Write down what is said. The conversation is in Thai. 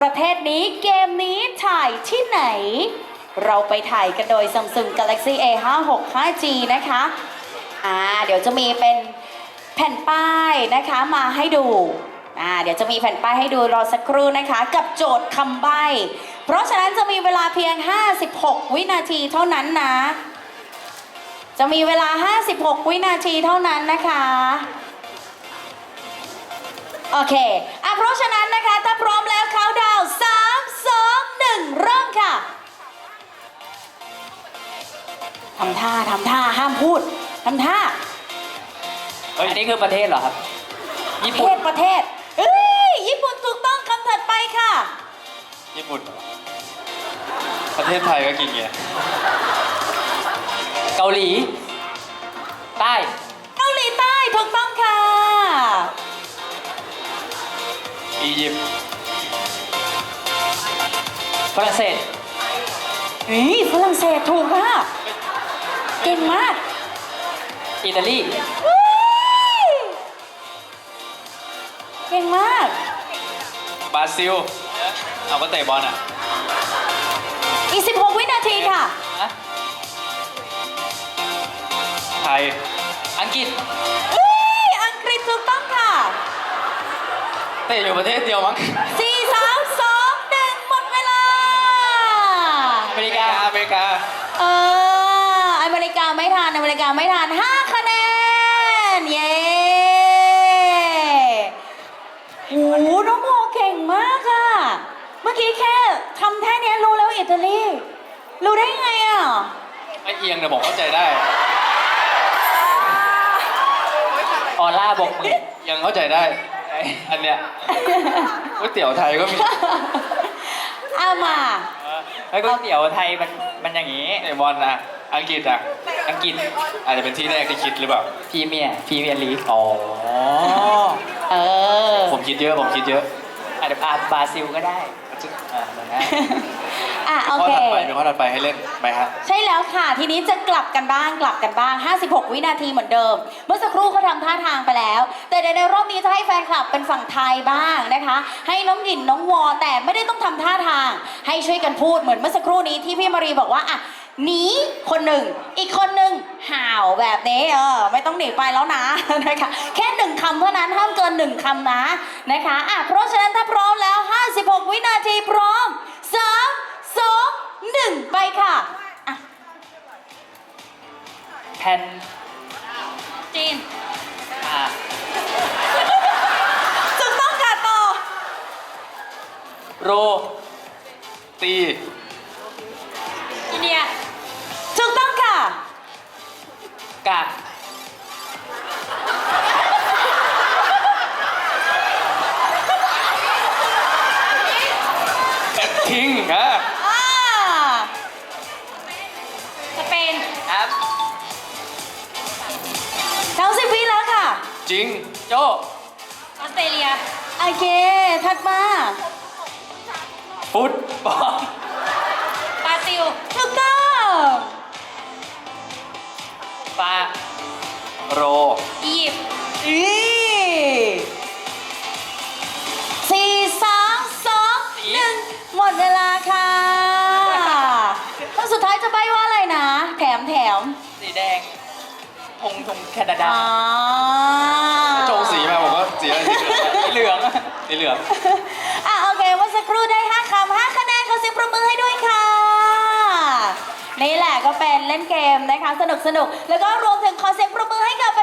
ประเทศนี้เกมนี้ถ่ายที่ไหน เราไปถ่ายกันโดย Samsung Galaxy A56 5G นะคะเดี๋ยวจะมีเป็นแผ่นป้ายนะคะมาให้ดูเดี๋ยวจะมีแผ่นป้ายให้ดูรอสักครู่นะคะกับโจทย์คำใบ้เพราะฉะนั้นจะมีเวลาเพียง56วินาทีเท่านั้นนะจะมีเวลา56วินาทีเท่านั้นนะคะโอเคเพราะฉะนั้นนะคะถ้าพร้อมแล้วเขาดาวน์3 2 1เริ่มค่ะทำท่าห้ามพูดทำท่าอันนี้คือประเทศเหรอครับญี่ปุ่นประเทศญี่ปุ่นถูกต้องคำถัดไปค่ะญี่ปุ่นประเทศไทยก็กินเงี้ยเกาหลีใต้เกาหลีใต้ถูกต้องค่ะอียิปต์ฝรั่งเศสฝรั่งเศสถูกค่ะเก่งมากอิตาลีเก่งมากบราซิลเอาก็เตะบอลอ่ะอีก16วินาทีค่ะไทยอังกฤษอังกฤษถูกต้องค่ะเตะอยู่ประเทศเดียวมั้ง 4 3 2 1หมดเวลาอเมริกาอเมริกาอเมริกาไม่ทัน5คะแนนเย้โอ้โหน้องโมเก่งมากค่ะเมื่อกี้แค่ทำแค่นี้รู้แล้วอิตาลีรู้ได้ไงอ่ะไม่เอียงแต่ผมเข้าใจได้ออร่าบกมือยังเข้าใจได้ อันเนี้ยก๋วยเตี๋ยวไทยก็มีเอามาไอ้ก๋วยเตี๋ยวไทยมันอย่างนี้เตะบอลนะอังกฤษอ่ะอังกฤษอาจจะเป็นที่แรกที่คิดหรือเปล่าพรีเมียร์ลีกอ๋อ ผมคิดเยอะอาจจะบราซิลก็ได้นะโอข้อเคถัดไปเป็นข้อถัดไปให้เล่นไหมฮะใช่แล้วค่ะทีนี้จะกลับกันบ้าง56วินาทีเหมือนเดิมเมื่อสักครู่เขาทำท่าทางไปแล้ว แต่ในรอบนี้จะให้แฟนคลับเป็นฝั่งไทยบ้างนะคะให้น้องหยินน้องวอแต่ไม่ได้ต้องทำท่าทางให้ช่วยกันพูดเหมือนเมื่อสักครู่นี้ที่พี่มารีบอกว่าหนีคนหนึ่งอีกคนหนึ่งห่าวแบบนี้ไม่ต้องหนีไปแล้วนะนะคะแค่1คำเท่านั้นห้ามเกิน1คำนะคะเพราะฉะนั้นถ้าพร้อมแล้ว56วินาทีพร้อม3 2 1ไปค่ะแผ่นจีนอ่าถูกต้องค่ะต่อโรตีอินเดียถูกต้องค่ะกะทิ้งฮะสเปนครับ 90วิแล้วค่ะจริงโจออสเตรเลียโอเคถัดมาฟุตบอลบราซิลถูกต้องฟาโรอียิปต์4 3 2 1หมดเวลาค่ะแล้วสุดท้ายจะใบ้ว่าอะไรนะแถมสีแดงธงแคนาดาจงสีมาผมก็สีอะไรสีเหลืองสีเหลืองโอเคเมื่อสักครู่ได้5 คำ 5 คะแนนขอเสียงปรบมือให้ด้วยค่ะนี่แหละก็เป็นเล่นเกมนะคะสนุกแล้วก็รวมถึงขอเสียงปรบมือให้กับแ